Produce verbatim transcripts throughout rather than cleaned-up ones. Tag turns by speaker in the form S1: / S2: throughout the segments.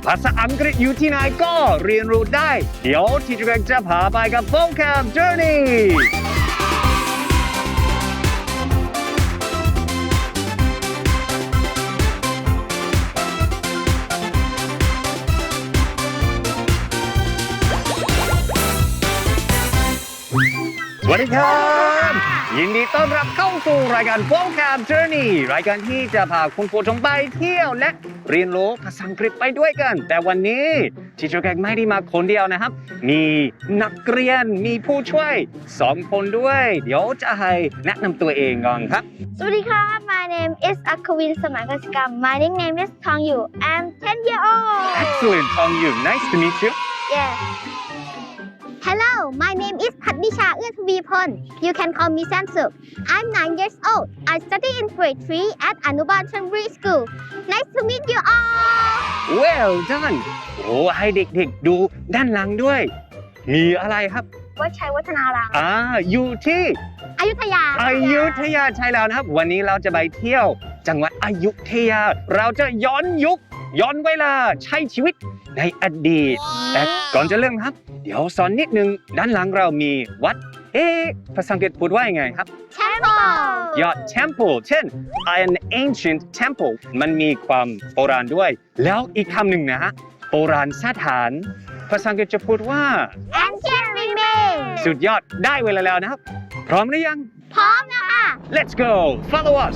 S1: ภาษาอังกฤษอยู่ที่ไหนก็เรียนรู้ได้ เดี๋ยวที่จะจะพาไปกับ Vocab Journeyสวัสดีครับยินดีต้อนรับเข้าสู่รายการ Vocab Journey รายการที่จะพาคุณผู้ชมไปเที่ยวและเรียนรู้ภาษาอังกฤษไปด้วยกันแต่วันนี้ที่เจ้าแกงไม่ได้มาคนเดียวนะครับมีนักเรียนมีผู้ช่วยสองคนด้วยเดี๋ยวจะให้แนะนำตัวเองก่อนครับ
S2: สวัสดีครับ My name is Akawin สมัยกสิกรรม My nickname is Tong Yu I'm ten years old
S1: Excellent Tong Yu Nice to meet you
S2: Yes Hello my name is พัฒนิชาเอื้อทวีพล You can call me Samsuk I'm nine years old I study in grade three at Anuban Chonburi School Nice to meet you all
S1: Well done โอ้ให้เด็กๆดูด้านหลังด้วยมีอะไรครับ
S2: วัดชัยวัฒนาราม
S1: อ่าอยู่ที่
S2: อยุธยา
S1: อยุธยาใช่แล้วนะครับวันนี้เราจะไปเที่ยวจังหวัดอยุธยาเราจะย้อนยุคย้อนเวลาใช้ชีวิตในอดีตแต่ก่อนจะเริ่มครับเดี๋ยวสอนนิดนึงด้านหลังเรามีวัดเอ๊ะภาษาอังกฤษพูดว่ายังไงครับ
S2: Temple
S1: ยอด temple เช่น an ancient temple มันมีความโบราณด้วยแล้วอีกคำหนึ่งนะฮะโบราณสถานภาษาอังกฤษจะพูดว่า
S2: Ancient remains
S1: สุดยอดได้เวลาแล้วนะครับพร้อมหรือยัง
S2: พร้อมนะคะ
S1: Let's go follow us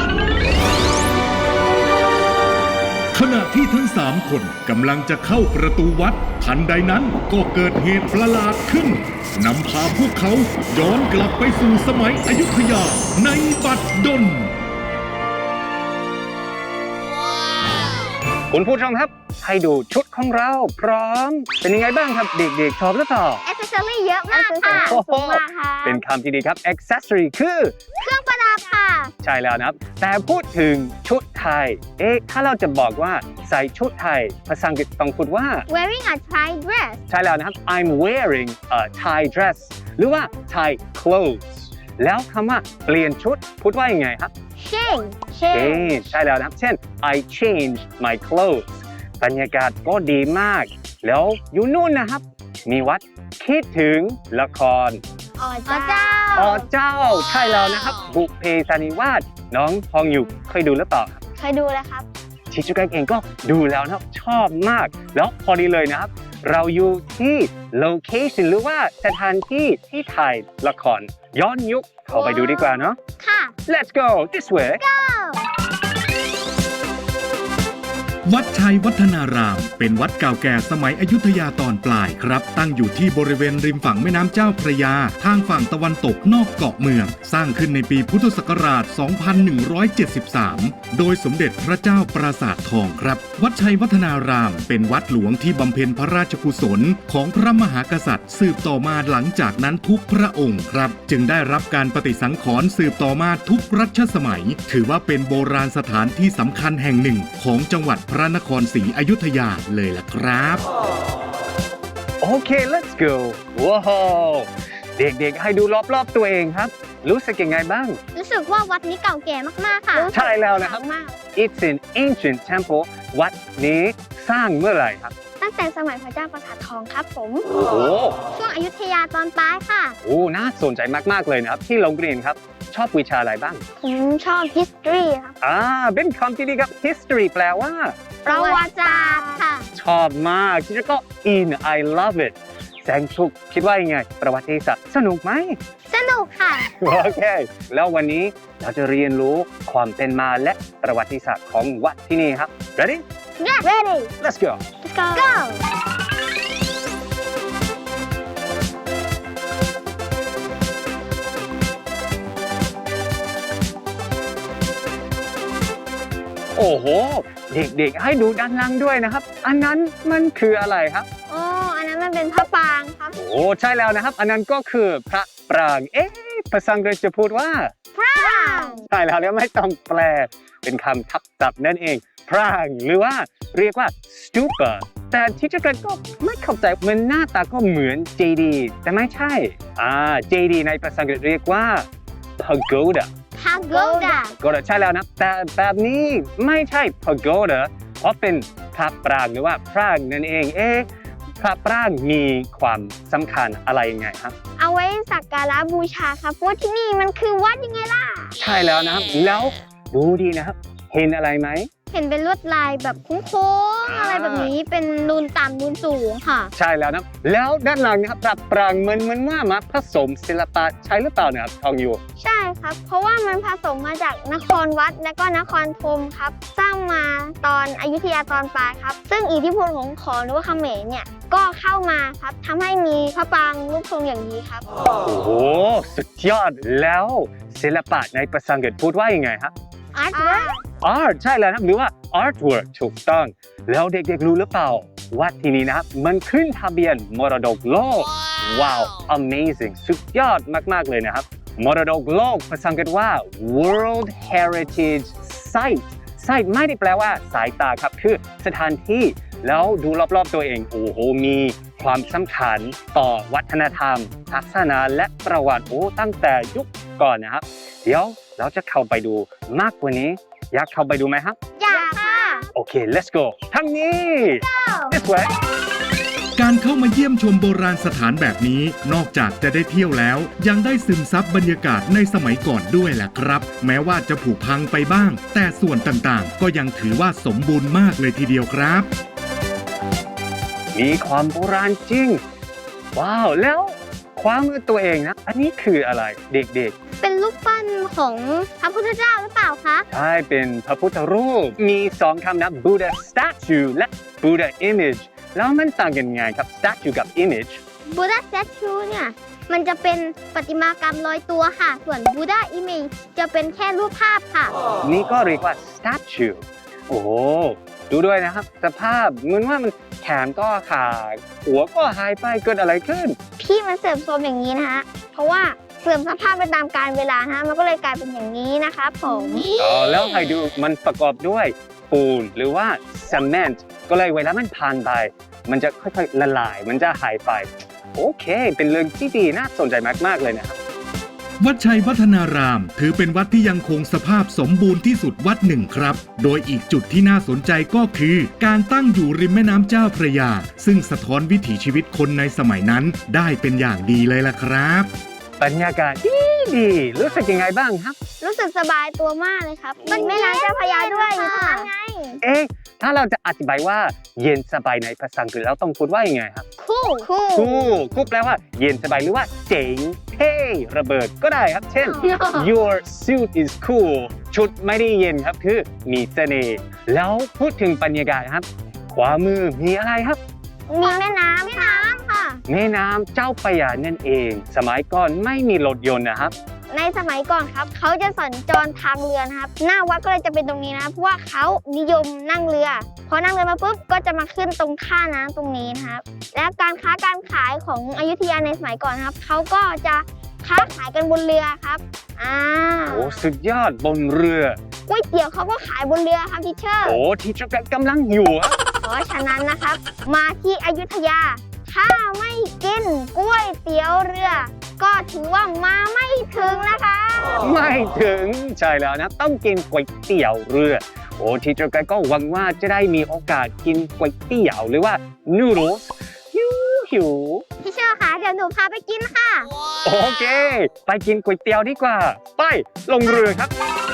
S3: ขณะที่ทั้งสามคนกำลังจะเข้าประตูวัดทันใดนั้นก็เกิดเหตุประหลาดขึ้นนำพาพวกเขาย้อนกลับไปสู่สมัยอยุธยาในบัดดล
S1: คุณผู้ชมครับให้ดูชุดของเราพร้อมเป็นยังไงบ้างครับเด็กๆชอบหรือเปล่า
S2: Accessory เยอะมากค่ะสูงมากค่ะ
S1: เป็นคำที่ดีครับ Accessory คือ
S2: เครื่องประดับค่ะ
S1: ใช่แล้วนะครับแต่พูดถึงชุดไทยเอ๊ะถ้าเราจะบอกว่าใส่ชุดไทยภาษาอังกฤษต้องพูดว่า
S2: Wearing a Thai dress
S1: ใช่แล้วนะครับ I'm wearing a Thai dress หรือว่า Thai clothes แล้วคำว่าเปลี่ยนชุดพูดว่ายังไงครับ
S2: Change
S1: Change ใช่แล้วนะครับเช่น I changed my clothes บรรยากาศก็ดีมากแล้วอยู่นู่นนะครับมีวัดคิดถึงละคร
S2: อ๋อเจ้า
S1: อ๋อเจ้าใช่แล้วนะครับบุพเพสันนิวาสน้องทองอยู่เคยดูหรือเปล่าครับ
S2: เคยดูแล้วครับ
S1: ชิจุกะเองก็ดูแล้วนะครับชอบมากแล้วพอดีเลยนะครับเราอยู่ที่ location หรือว่าสถานที่ที่ถ่ายละครย้อนยุคเข้าไปดูดีกว่าเนาะ
S2: ค่ะ
S1: Let's go this way
S2: go
S3: วัดชัยวัฒนารามเป็นวัดเก่าแก่สมัยอยุธยาตอนปลายครับตั้งอยู่ที่บริเวณริมฝั่งแม่น้ำเจ้าพระยาทางฝั่งตะวันตกนอกเกาะเมืองสร้างขึ้นในปีพุทธศักราช สองพันหนึ่งร้อยเจ็ดสิบสาม โดยสมเด็จพระเจ้าปราสาททองครับวัดชัยวัฒนารามเป็นวัดหลวงที่บำเพ็ญพระราชกุศลของพระมหากษัตริย์สืบต่อมาหลังจากนั้นทุกพระองค์ครับจึงได้รับการปฏิสังขรณ์สืบต่อมาทุกรัชสมัยถือว่าเป็นโบราณสถานที่สำคัญแห่งหนึ่งของจังหวัดพระนครศรีอยุธยาเลยล่ะครับ
S1: โอเค let's go ว้าวเด็กๆให้ดูรอบๆตัวเองครับรู้สึกยังไงบ้าง
S2: รู้สึกว่าวัดนี้เก่าแก่มากๆค่ะ
S1: ใช่แล้วนะครับ It's an ancient temple วัดนี้สร้างเมื่อไหร่ครับ
S2: ตั้งแต่สมัยพระเจ้าปราสาททองครับผม
S1: โอ้โห
S2: ช่วงอยุธยาตอนปลายค่ะ
S1: โอ้น่าสนใจมากๆเลยนะครับที่โรงเรียนครับชอบวิชาอะไรบ้าง
S2: ผมชอบ history ครับ
S1: อ่าเป็นคำที่ดีครับ history แปลว่า
S2: ประวัติศาสตร์ค่ะ
S1: ชอบมากที่จะก็ in I love it แสงสุขคิดว่ายังไงประวัติศาสตร์สนุกไหม
S2: สนุกค่ะ
S1: โอเคแล้ววันนี้เราจะเรียนรู้ความเป็นมาและประวัติศาสตร์ของวัดที่นี่ครับ ready
S2: yes ready
S1: let's go
S2: let's go go
S1: โอ้โหเด็กๆให้ดูด้านล่างด้วยนะครับอันนั้นมันคืออะไรครับ
S2: โอ้อันนั้นมันเป็นพระปรางครับ
S1: โอ้ใช่แล้วนะครับอันนั้นก็คือพระปรางเอ๊ะภาษาอังกฤษจะพูดว่า
S2: ปราง
S1: ใช่แล้วเนี่ยไม่ต้องแปลเป็นคำทับศัพท์นั่นเองปรางหรือว่าเรียกว่า stupa แต่ที่จะก็ไม่เข้าใจมันหน้าตาก็เหมือน เจ ดี แต่ไม่ใช่อ่า เจ ดี ในภาษาอังกฤษเรียกว่า pagoda
S2: pagoda
S1: pagoda ใช่แล้วนะแต่แบบนี้ไม่ใช่ pagoda เพราะเป็นพระปรางหรือว่าพรางนั่นเองเอ๊ะพระปรางมีความสำคัญอะไรยังไงครับ
S2: เอาไว้สักการะบูชาครับเพราะว่าที่นี่มันคือวัดยังไงล่ะ
S1: ใช่แล้วนะครับแล้วดูดีนะครับ เห็นอะไรไหม
S2: เห็นเป็นลวดลายแบบโค้งๆอะไรแบบนี้เป็นนูนต่ำนูนสูงค่ะ
S1: ใช่แล้วนะครับแล้วด้านหลังนะครับปรับปรางเหมือนเหมือนว่ามาผสมศิลปะใช่หรือเปล่าเนะครับทองอยู่
S2: ใช่ครับ เพราะว่ามันผสมมาจากนครวัดและก็นครธมครับ สร้างมาตอนอยุธยาตอนปลายครับ ซึ่งอิทธิพลของขอมหรือว่าเขมรเนี่ยก็เข้ามาครับทำให้มีพระปรางรูปทรงอย่างนี้ครับ
S1: โอ้โหสุดยอดแล้วศิลปะในภาษาอังกฤษพูดว่ายังไงครับ
S2: artwork
S1: art ใช่แล้วนะครับหรือว่า artwork ถูกต้อง แล้วเด็กๆรู้หรือเปล่าว่าที่นี้นะครับมันขึ้นทะเบียนมรดกโลกว้าว amazing สุดยอดมากๆเลยนะครับมรดกโลกภาษาอังกฤษว่า World Heritage Site Site ไม่ได้แปลว่าสายตาครับคือสถานที่แล้วดูรอบๆตัวเองโอ้โหมีความสำคัญต่อวัฒนธรรมศาสนาและประวัติโอ้ตั้งแต่ยุคก่อนนะครับ เดี๋ยวเราจะเข้าไปดูมากกว่านี้อยากเข้าไปดูไหมครับ
S2: อยากค่ะ
S1: โอเค let's go ทางนี้ this way
S3: การเข้ามาเยี่ยมชมโบราณสถานแบบนี้ นอกจากจะได้เที่ยวแล้ว ยังได้ซึมซับบรรยากาศในสมัยก่อนด้วยแหละครับ แม้ว่าจะผุพังไปบ้าง แต่ส่วนต่างๆ ก็ยังถือว่าสมบูรณ์มากเลยทีเดียวครับ
S1: มีความโบราณจริง ว้าว แล้วความมือตัวเองนะ อันนี้คืออะไรเด็ก
S2: เป็นรูปปั้นของพระพุทธเจ้าหรือเปล่าคะ
S1: ๆ ใช่ เป็นพระพุทธรูป มีสองคำนะ Buddha statue และ Buddha image แล้วมันต่างกันไงครับ statue กับ image
S2: Buddha statue เนี่ยมันจะเป็นประติมากรรมลอยตัวค่ะ ส่วน Buddha image จะเป็นแค่รูปภาพค่ะ
S1: นี่ก็เรียกว่า statue โอ้โห ดูด้วยนะครับ สภาพเหมือนว่ามันแขนก็ขาดหัวก็หายไปเกิดอะไรขึ้น
S2: พี่มันเสื่อมโทรมอย่างนี้นะฮะ เพราะว่าเสื่อมสภาพไปตามกาลเวลานะฮะ มันก็เลยกลายเป็นอย่างนี้นะครับผม
S1: อ๋อแล้วให้ดูมันประกอบด้วยปูนหรือว่าซีเมนต์ก็เลยเวลามันผ่านไป มันจะค่อยๆละลาย มันจะหายไป โอเค เป็นเรื่องที่ดีน่าสนใจมากๆเลยนะครับ
S3: วัดชัยวัฒนารามถือเป็นวัดที่ยังคงสภาพสมบูรณ์ที่สุดวัดหนึ่งครับ โดยอีกจุดที่น่าสนใจก็คือ การตั้งอยู่ริมแม่น้ำเจ้าพระยา ซึ่งสะท้อนวิถีชีวิตคนในสมัยนั้นได้เป็นอย่างดีเลยล่ะครับ
S1: บรรยากาศดีดีรู้สึกยังไงบ้างครับ
S2: รู้สึกสบายตัวมากเลยครับมันแม่น้ำเจ้าพระยาด้วยอยู่ตรงนั้นไง
S1: เอ๊ะ ถ้าเราจะอธิบายว่าเย็นสบายในภาษาอังกฤษแล้วต้องพูดว่ายังไงครับ
S2: คู่คู่
S1: cool cool แปลว่าเย็นสบายหรือว่าเจ๋งเท่ระเบิดก็ได้ครับ เช่น your suit is cool ชุดไม่ได้เย็นครับคือมีเสน่ห์แล้วพูดถึงบรรยากาศครับ ขวามือมีอะไรครับ
S2: มีแม่น้ำแม่น้ำค่ะ
S1: แม่น้ำเจ้าพระยานั่นเอง สมัยก่อนไม่มีรถยนต์นะครับ
S2: ในสมัยก่อนครับเขาจะสัญจรทางเรือนะครับ หน้าวัดก็เลยจะเป็นตรงนี้นะเพราะว่าเขานิยมนั่งเรือ พอนั่งเรือมาปุ๊บก็จะมาขึ้นตรงท่าน้ำตรงนี้นะครับ และการค้าการขายของอยุธยาในสมัยก่อนครับเขาก็จะค้าขายกันบนเรือครับอ่า
S1: โอ้สุดยอดบนเรือ
S2: ก๋วยเตี๋ยวเขาก็ขายบนเรือครับทีเชอร์
S1: โอ้ที่เจ้ากำลังอยู่อะ
S2: เพราะฉะนั้นนะครับ มาที่อยุธยา ถ้าไม่กินก๋วยเตี๋ยวเรือ ก็ถือว่ามาไม่ถึงนะคะ
S1: ไม่ถึงใช่แล้วนะต้องกินก๋วยเตี๋ยวเรือ โอ้ที่เจ้าก็หวังว่าจะได้มีโอกาสกินก๋วยเตี๋ยวหรือว่า noodles หิวหิว
S2: พี่เชอร์คะเดี๋ยวหนูพาไปกินค่ะ
S1: โอเค ไปกินก๋วยเตี๋ยวดีกว่า ไปลงเรือครับ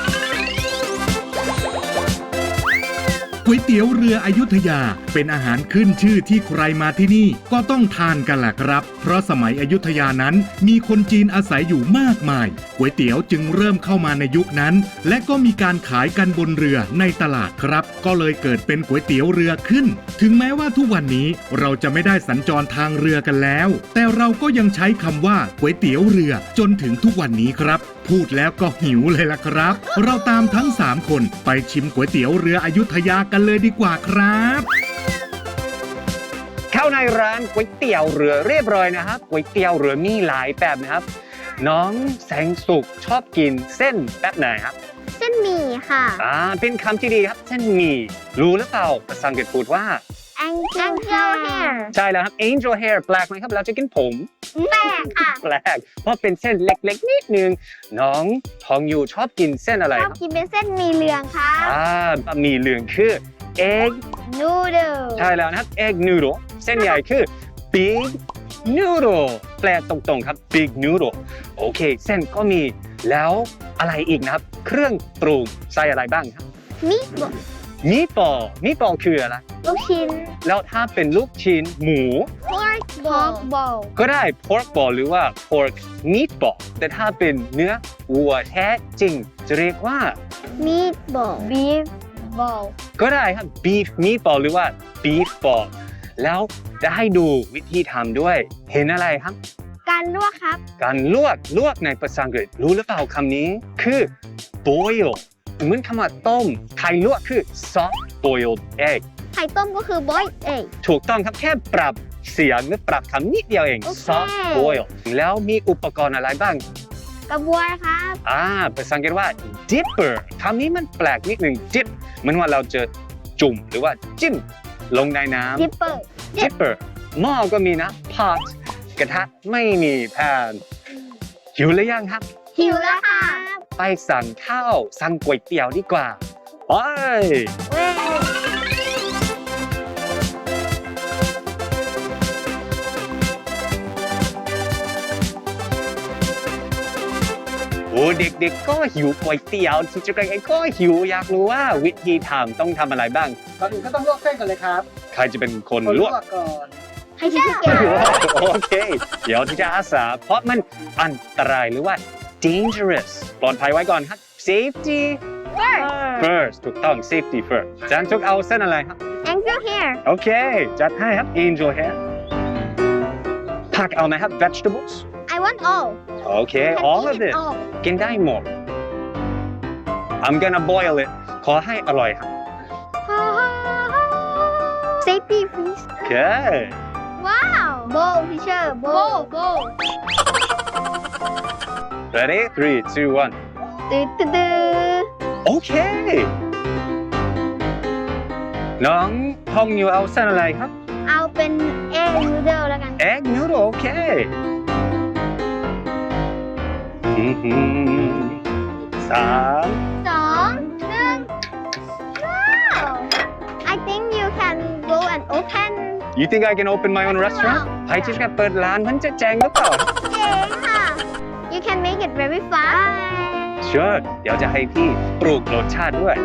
S3: ก๋วยเตี๋ยวเรืออยุธยาเป็นอาหารขึ้นชื่อที่ใครมาที่นี่ก็ต้องทานกันแหละครับ เพราะสมัยอยุธยานั้นมีคนจีนอาศัยอยู่มากมายก๋วยเตี๋ยวจึงเริ่มเข้ามาในยุคนั้น และก็มีการขายกันบนเรือในตลาดครับ ก็เลยเกิดเป็นก๋วยเตี๋ยวเรือขึ้น ถึงแม้ว่าทุกวันนี้เราจะไม่ได้สัญจรทางเรือกันแล้ว แต่เราก็ยังใช้คำว่าก๋วยเตี๋ยวเรือจนถึงทุกวันนี้ครับ พูดแล้วก็หิวเลยล่ะครับ เราตามทั้งสามคนไปชิมก๋วยเตี๋ยวเรืออยุธยากันเลยดีกว่าครับ
S1: เข้าในร้านก๋วยเตี๋ยวเรือเรียบร้อยนะครับก๋วยเตี๋ยวเรือมีหลายแบบนะครับ น้องแสงสุขชอบกินเส้นแบบไหนครับ
S2: เส้นหมี่ค่ะ
S1: อ่าเป็นคำที่ดีครับเส้นหมี่รู้หรือเปล่าภาษาอังกฤษพูดว่า
S2: Angel hair
S1: ใช่แล้วครับ angel hair แปลกไหมครับเราจะกินผม
S2: แปลกค่ะ
S1: แปลกเพราะเป็นเส้นเล็กๆนิดนึงน้องทองอยู่ชอบกินเส้นอะไร
S2: ช
S1: ค
S2: อ
S1: รั
S2: บบ กินเป็นเส้นหมี่เหลืองค่ะ
S1: อ่าบะหมี่เหลืองคือ egg
S2: noodle
S1: ใช่แล้วนะครับ egg noodle เส้นใหญ่คือ big noodle แปลตรงๆครับ big noodle โอเค เส้นก็มีแล้วอะไรอีกนะครับ เครื่องปรุงใส่อะไรบ้างครับ
S2: meatball
S1: มีบอลมีบอลคืออะไร
S2: ลูกชิ้น
S1: แล้วถ้าเป็นลูกชิ้นหมู
S2: pork ball pork ball
S1: ก็ได้ pork ball หรือว่า pork meatball แต่ถ้าเป็นเนื้อวัวแท้จริง จะเรียกว่า
S2: meatball beef ball
S1: ก็ได้ครับ beef meatball หรือว่า beef ball แล้วจะให้ดูวิธีทำด้วย เห็นอะไรครับ
S2: การลวกครับ
S1: การลวกลวกในภาษาอังกฤษรู้หรือเปล่าคำนี้คือ boil เหมือนคำว่าต้มไข่ลวกคือ soft boiled egg
S2: ไข่ต้มก็คือ boiled egg
S1: ถูกต้องครับแค่ปรับเสียงหรือปรับคำนิดเดียวเอง
S2: โอเค
S1: soft boil แล้วมีอุปกรณ์อะไรบ้าง
S2: กระบวยครับ
S1: อ่าภาษาอังกฤษว่า dipper คำนี้มันแปลกนิดหนึ่ง dip เหมือนว่าเราจะจุ่มหรือว่าจิ้มลงในน้ำ
S2: dipper
S1: dipper หม้อก็มีนะ pot กระทะไม่มีแพนหิวหรือยังครับ
S2: หิวแล้วค่ะ
S1: ไปสั่งข้าวสั่งก๋วยเตี๋ยวดีกว่าไป
S2: เว้ย
S1: โอ้เด็กๆก็หิวก๋วยเตี๋ยวที่จะกเองก็หิวอยากรู้ว่าวิธีทำต้องทำอะไรบ้าง
S4: ก่อนอื่นก็ต้องลวกเส้นก่อนเลยครับ
S1: ใครจะเป็นคน
S4: คน
S1: ล
S4: ล
S1: ว
S4: ว
S1: ก
S4: กก่อน
S2: ให้ที่เก่ง
S1: โอเค เดี๋ยวที่จะอาสาเพราะมันอันตรายหรือว่า dangerous ปลอดภัยไว้ก่อนครับ safety first ถูกต้อง safety first จานทุกเอาเส้นอะไรครับ
S2: angel hair
S1: โอเค จัดให้ครับ angel hair ผักเอาไหมครับ vegetables
S2: I want all
S1: โอเค all of it
S2: all
S1: กินได้หมด I'm gonna boil it ขอให้อร่อยครับ
S2: safety please
S1: โอเค
S2: ว้าว bowl teacher bowl bowl
S1: ready three two one
S2: ตื้อตื้อตื้อ
S1: โอเค น้องทองอยู่เอาเส้นอะไรครับ
S2: เอาเป็น egg noodle แล้วกัน
S1: egg noodle โอเคอื้อหือสาม
S2: สองหนึ่งว้าว I think you can go and open
S1: You think I can open my own restaurant ใครที่จะเปิดร้านมันจะแจงหรือเปล่า
S2: เก่งค่ะ You can make it very fast
S1: Sure เดี๋ยวจะให้พี่ปลูกรสชาติด้วย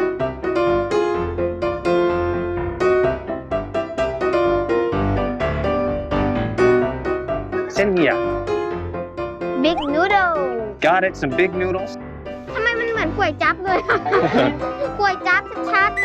S1: เส้นใหญ่
S2: big noodle
S1: Got it some big noodles
S2: ทำไมมันเหมือนก๋วยจั๊บเลย ก๋วยจั๊บชัด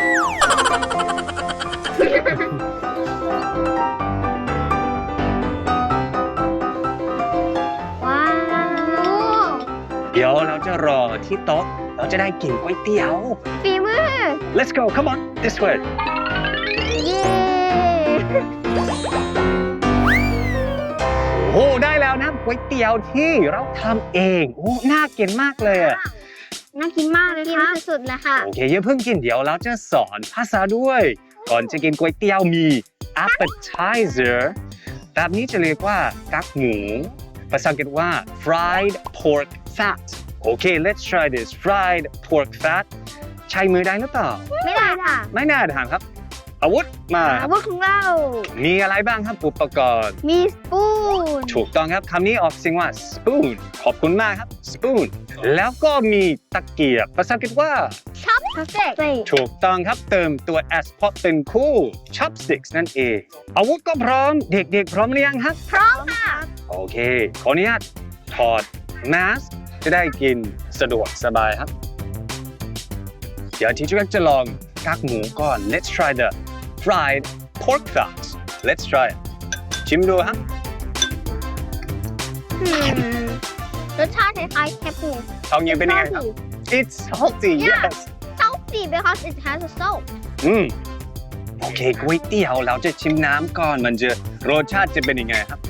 S2: ๆ ว้าว
S1: เดี๋ยวเราจะรอที่โต๊ะเราจะได้กินก๋วยเตี๋ยว
S2: ฝีมือ
S1: Let's go come on this way
S2: เย้
S1: โอ้ได้แล้วนะก๋วยเตี๋ยวที่เราทำเองโอ้น่ากินมากเลยอะ
S2: น่ากินมากเลยครับกินสุดๆเลยค่ะ
S1: โอเคอย่าเพิ่งกินเดี๋ยวเราจะสอนภาษาด้วย ก่อนจะกินก๋วยเตี๋ยวมี appetizer แบบนี้จะเรียกว่ากักหมูภาษาอังกฤษว่า fried pork fat โอเค let's try this fried pork fat ใช้มือได้หรือเปล่า
S2: ไม่ได้ค่ะ
S1: ไม่น่าทางครับ อาวุธมาค
S2: อา
S1: รับ
S2: วุธของเรา
S1: มีอะไรบ้างครับอุปกรณ์
S2: มีสปูน
S1: ถูกต้องครับคำนี้ออกเสียงว่า spoon ขอบคุณมากครับ spoon แล้วก็มีตะเกียบภาษาอังกฤษว่า
S2: ช็อปสเต็ก
S1: ถูกต้องครับเติมตัว s เพราะเป็นคู่ chopsticks นั่นเอง อาวุธก็พร้อมเด็กๆ พร้อมหรือยังครับ
S2: พร้อมค่ะ
S1: โอเค ขออนุญาตถอดมาสจะได้กินสะดวกสบายครับ เดี๋ยวที่จุกจะลองกักหมูก่อน let's try the fried pork fat let's try it ชิมดูครับ
S2: อืมรสชาติคล้ายๆแคปหมู
S1: ทองยังเป็นยังไงครับ it's salty
S2: Yeah.
S1: yes
S2: salty because it has a salt
S1: อืมโอเคก๋วยเตี๋ยวเราจะชิมน้ำก่อนมันจะรสชาติจะเป็นยังไงครับ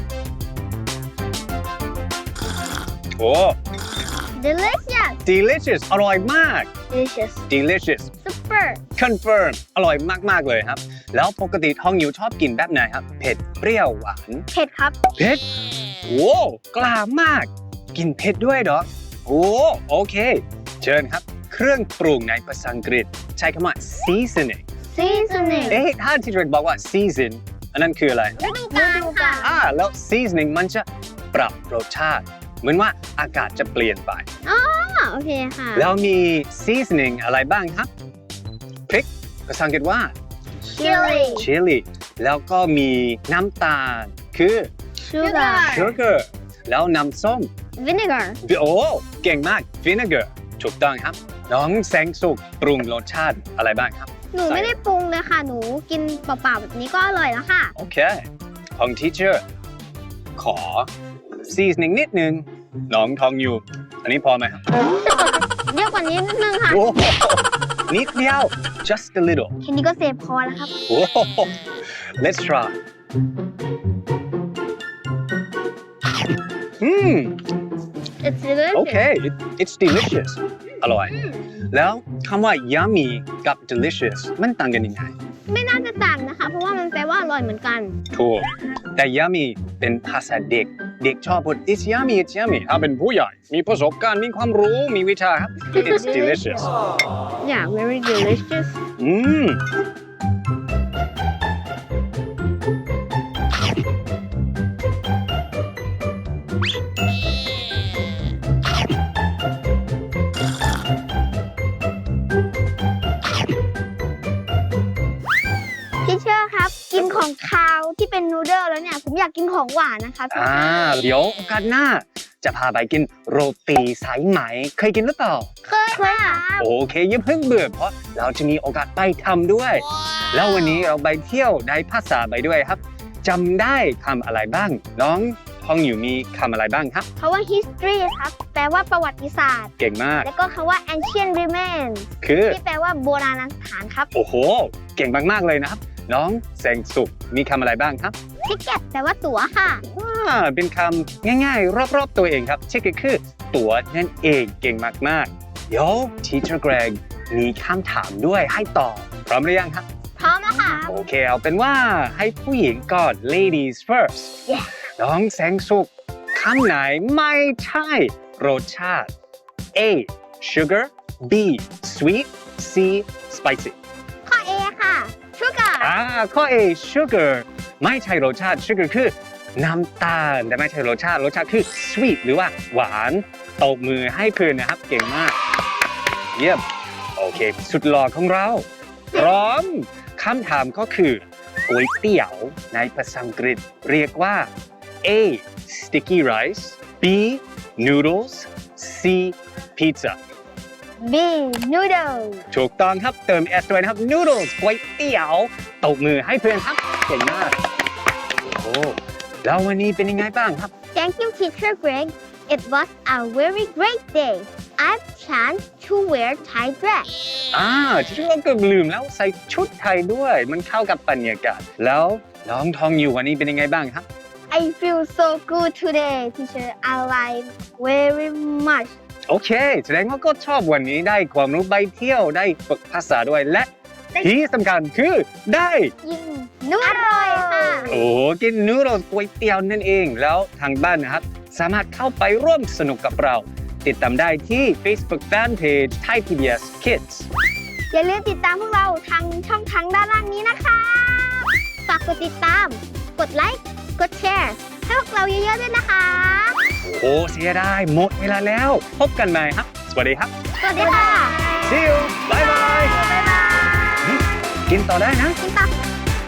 S1: โอ้
S2: delicious
S1: delicious อร่อยมาก
S2: delicious
S1: delicious
S2: super
S1: confirm อร่อยมากๆเลยครับ แล้วปกติทองอยู่ชอบกินแบบไหนครับ เผ็ดเปรี้ยวหวาน
S2: เผ็ดครับ
S1: เผ็ดโอ้กล้ามาก กินเผ็ดด้วยเหรอโอ้โอเค เชิญครับ เครื่องปรุงในภาษาอังกฤษ ใช้คำว่า seasoning
S2: seasoning
S1: เอ๊ะถ้าที่เรกบอกว่า season อันนั้นคืออะไร
S2: ฤดูกาลค่ะ
S1: อ่าแล้ว seasoning มันจะปรับรสชาติ เหมือนว่าอากาศจะเปลี่ยนไป
S2: อ๋อโอเคค่ะ
S1: แล้วมี seasoning อะไรบ้างครับ พริกภาษาอังกฤษว่า
S2: chili
S1: chili แล้วก็มีน้ำตาลคือ
S2: sugar
S1: sugar แล้วน้ำส้ม
S2: vinegar
S1: โอ้เก่งมาก vinegar ถูกต้องครับ น้องแสงสุกปรุงรสชาติอะไรบ้างครับ
S2: หนูไม่ได้ปรุงเลยค่ะ หนูกินเปล่าๆแบบนี้ก็อร่อยแล้วค่ะ
S1: โอเค ของ teacher ขอ seasoning นิดนึง น้องทองอยู่ อันนี้พอไหมครับ
S2: เยอะกว่านี้นิดนึงค่ะ
S1: โอ้โหนิดเดียว just a little
S2: แค่นี้ก็เซฟพอแล้วครับ
S1: โอ้โห let's try อืม
S2: it's delicious
S1: โอเค it, it's delicious อร่อย แล้วคำว่า yummy กับ delicious มันต่างกันยังไง
S2: ไม่น่าจะต่างนะคะ เพราะว่ามันแปลว่าอร่อยเหมือนกัน
S1: ถูก แต่ yummy เป็นภาษาเด็ก เด็กชอบพูด it's yummy it's yummy ถ้าเป็นผู้ใหญ่ มีประสบการณ์ มีความรู้ มีวิชาครับ it's delicious
S2: yeah very delicious
S1: อืม
S2: พี่เชื่อครับ กินของคาวที่เป็นนูเดิลแล้วเนี่ย ผมอยากกินของหวานนะคะ
S1: อ่า เดี๋ยวโอกาสหน้า จะพาไปกินโรตีสายไหม เคยกินหรือเปล่า
S2: เคยค่ะ
S1: โอเคอย่าเพิ่งเบื่อเพราะเราจะมีโอกาสไปทำด้วย แล้ววันนี้เราไปเที่ยวได้ภาษาไปด้วยครับจำได้คำอะไรบ้าง น้องทองอยู่มีคำอะไรบ้างครับ
S2: เพราะว่า history ครับ แปลว่าประวัติศาสตร์
S1: เก่งมาก
S2: แล้วก็คำว่า ancient remains
S1: คือ
S2: ที่แปลว่าโบราณสถานครับ
S1: โอ้โห เก่งมากๆเลยนะครับ น้องแสงสุขมีคำอะไรบ้างครับ
S2: ticket แปลว่าตั๋วค่ะ
S1: อ่าเป็นคำง่ายๆ รอบๆตัวเองครับเช่นก็คือตั๋วนั่นเองเก่งมากๆเดี๋ยว Teacher Greg มีคำถามด้วยให้ตอบพร้อมหรือยังครับ
S2: พร้อมแล้วค่ะ
S1: โอเคเอาเป็นว่าให้ผู้หญิงก่อน ladies first
S2: Yeah
S1: น้องแสงสุขคำไหนไม่ใช่รสชาติ A sugar B sweet C spicy
S2: ข้อ A ค่ะ sugar
S1: อ่าข้อ A sugar ไม่ใช่รสชาติ sugar คือน้ำตาลแต่ไม่ใช่รสชาติรสชาติคือ sweet หรือว่าหวานตบมือให้เพื่อนนะครับเก่งมาก เยี่ยมโอเค สุดหล่อของเรา พร้อมคำถามก็คือก๋วยเตี๋ยวในภาษาอังกฤษเรียกว่า A sticky rice B noodles C pizza
S2: B noodle
S1: ถูกต้องครับเติม S ด้วยนะครับ noodles ก๋วยเตี๋ยวตบมือให้เพื่อนครับเก่งมากโอ้แล้ววันนี้เป็นยังไงบ้างครับ
S2: Thank you teacher Greg It was a very great day I've chance to wear Thai dress
S1: อ่าที่เราเกือบลืมแล้วใส่ชุดไทยด้วย มันเข้ากับบรรยากาศแล้วน้องทองอยู่วันนี้เป็นยังไงบ้างครับ
S2: I feel so good today teacher I like very much
S1: โอเค แสดงว่าก็ชอบวันนี้ได้ความรู้ไปเที่ยวได้ฝึกภาษาด้วยและที่สำคัญคือได้
S2: ยิ่งนุ่มอร่อยค่ะ
S1: โอ้กินนูโดลก๋วยเตี๋ยวนั่นเองแล้วทางบ้านนะครับ สามารถเข้าไปร่วมสนุกกับเรา ติดตามได้ที่ Facebook Fanpage Thai พี บี เอส Kids
S2: อย่าลืมติดตามพวกเราทางช่องทางด้านล่างนี้นะคะ ฝากกดติดตาม กดไลค์ กดแชร์ ให้พวกเราเยอะๆด้วยนะคะ
S1: โอ้เสียดายหมดเวลาแล้ว พบกันใหม่ครับ สวัสดีครับ
S2: สวัสดีค่ะ
S1: See you บายบาย
S2: บ๊ายบาย
S1: กินต่อได้นะ
S2: กินต่อ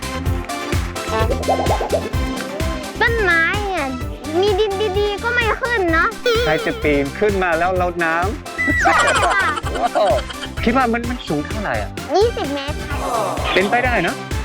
S2: ต้นไม้เนี่ยมีดินดีๆ ก็ไม่ขึ้นเนาะ
S1: ใครจะปีนขึ้นมาแล้วลดน้
S2: ใช่ค่ะ
S1: ำว้าวคิดว่ามันมันสูงเท่าไหร่อ่ะ
S2: ยี่สิบเมตรค่ะ
S1: เป็นไปได้เนอะ
S2: ใ